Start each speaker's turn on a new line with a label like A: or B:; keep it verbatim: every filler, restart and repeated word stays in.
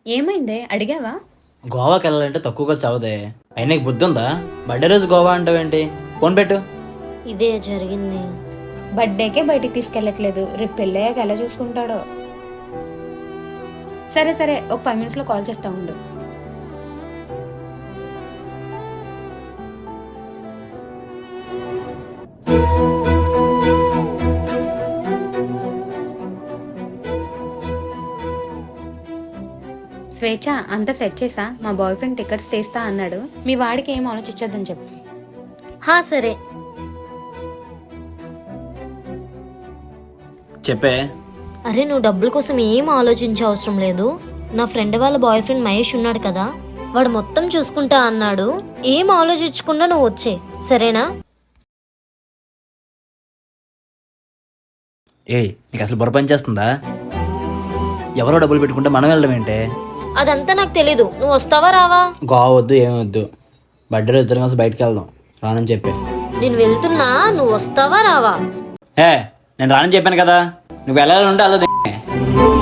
A: ఏమైందే అడిగావా?
B: గోవాకి వెళ్ళాలంటే తక్కువగా చవదే. అయినా నీకు బుద్ధి ఉందా? బర్త్డే రోజు గోవా అంటావేంటి? ఫోన్ పెట్టు.
C: ఇదే జరిగింది.
A: బర్త్డేకే బయటికి తీసుకెళ్ళట్లేదు, రేపు పెళ్ళయ్యాక ఎలా చూసుకుంటాడో. సరే సరే, ఒక ఫైవ్ మినిట్స్లో కాల్ చేస్తా ఉండు. స్వేచ్ఛ, అంతా సెట్ చేసా. మా బాయ్ ఫ్రెండ్ టికెట్స్ తీస్తా అన్నాడు. మీ వాడికి ఏం ఆలోచించొద్దని చెప్పి.
C: హా సరే.
B: చెప్పే.
C: అరే నువ్వు డబ్బుల కోసం ఏం ఆలోచించే అవసరం లేదు. నా ఫ్రెండ్ వాళ్ళ బాయ్ ఫ్రెండ్ మహేష్ ఉన్నాడు కదా, వాడు మొత్తం చూసుకుంటా అన్నాడు. ఏం ఆలోచించకుండా నువ్వు వచ్చే, సరేనా?
B: ఏయ్, నీకు అసలు బుర్ర పని చేస్తుందా? ఎవరో డబ్బులు పెట్టుకుంటే మనం వెళ్ళడం ఏంటే?
C: అదంతా నాకు తెలీదు. నువ్వు వస్తావా రావా?
B: గోవా వద్దు, ఏమి వద్దు. బర్త్డే రోజు ఇద్దరం కలిసి బయటకు వెళ్దాం. రానని చెప్పే.
C: నేను వెళ్తున్నా, నువ్వు వస్తావా రావా?
B: ఏ, నేను రానని చెప్పాను కదా. నువ్వు వెళ్ళాలంటే అలా